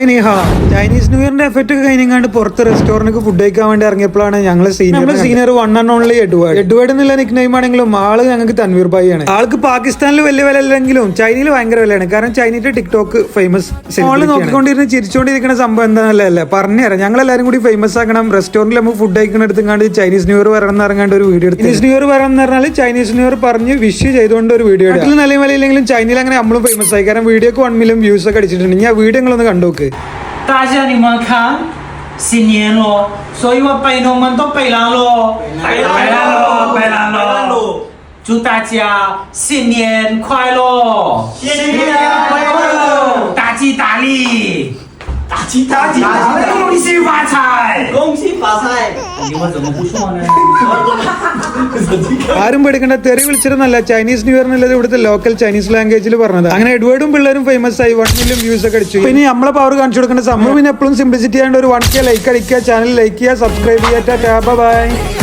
Chinese new ഇയറിന്റെ effect ഒക്കെ കഴിഞ്ഞാണ്ട് പുറത്ത് restaurant food കഴിക്കാൻ വേണ്ടി ഇറങ്ങിയപ്പോഴാണ് ഞങ്ങൾ senior one and only Edward എന്നുള്ള നിക് നെയിം ആണെങ്കിലും ആള് ഞങ്ങൾക്ക് തൻവീർ ഭായി ആണ്. ആൾക്ക് പാകിസ്ഥാനിൽ വലിയ വില അല്ലെങ്കിലും ചൈനയിൽ ഭയങ്കര വിലയാണ്. കാരണം ചൈനയുടെ ടിക്ടോക്ക് ഫേമസ് ആള് നോക്കിക്കൊണ്ടിരുന്ന് ചിരിച്ചുകൊണ്ടിരിക്കുന്ന സംഭവം എന്താണല്ലേ പറഞ്ഞുതരാം. ഞങ്ങൾ എല്ലാവരും കൂടി ഫേമസ് ആക്കണം. റെസ്റ്റോറന്റിൽ നമുക്ക് ഫുഡ് കഴിക്കുന്ന എടുത്തുകൊണ്ട് ചൈനീസ് ന്യൂ ഇയർ വരണം ഇറങ്ങാണ്ട് ഒരു വീഡിയോ എടുത്തു. ചൈനീസ് ന്യൂ ഇയർ വരണം എന്ന് പറഞ്ഞാൽ ചൈനീസ് ന്യൂ ഇയർ പറഞ്ഞ് വിഷ് ചെയ്തുകൊണ്ട് ഒരു വീഡിയോ എടുത്തു. നല്ല വിലയില്ലെങ്കിലും ചൈനയിൽ അങ്ങനെ നമ്മളും ഫേമസ് ആയി. കാരണം വീഡിയോക്ക് 1 മില്യൺ വ്യൂസ് ഒക്കെ അടിച്ചിട്ടുണ്ട്. ഞാൻ വീഡിയോ നിങ്ങളൊന്ന് കണ്ടുനോക്ക്. 大家你们看，新年咯，所以我拜龙们都拜啦咯，拜啦咯，祝大家新年快乐，新年快乐，大吉大利，大吉大利，恭喜发财，恭喜发财。你们怎么不说呢？ ആരും പേടിക്കേണ്ട, തെറി വിളിച്ചിരുന്നല്ല, ചൈനീസ് ന്യൂ ഇയർ എന്നുള്ളത് ഇവിടുത്തെ ലോക്കൽ ചൈനീസ് ലാംഗ്വേജിൽ പറഞ്ഞത്. അങ്ങനെ എഡ്വേർഡും പിള്ളേരും ഫേമസ് ആയി 1 മില്യൺ വ്യൂസ് ഒക്കെ അടിച്ചു. പിന്നെ നമ്മളെ പവർ കാണിച്ചു കൊടുക്കേണ്ട സമയം. പിന്നെ എപ്പോഴും സിംപ്ലിസിറ്റി ആയതുകൊണ്ട് ഒരു 1K ലൈക്ക് അടിക്കുക, ചാനൽ ലൈക്ക് ചെയ്യുക, സബ്സ്ക്രൈബ് ചെയ്യുക. ബൈ.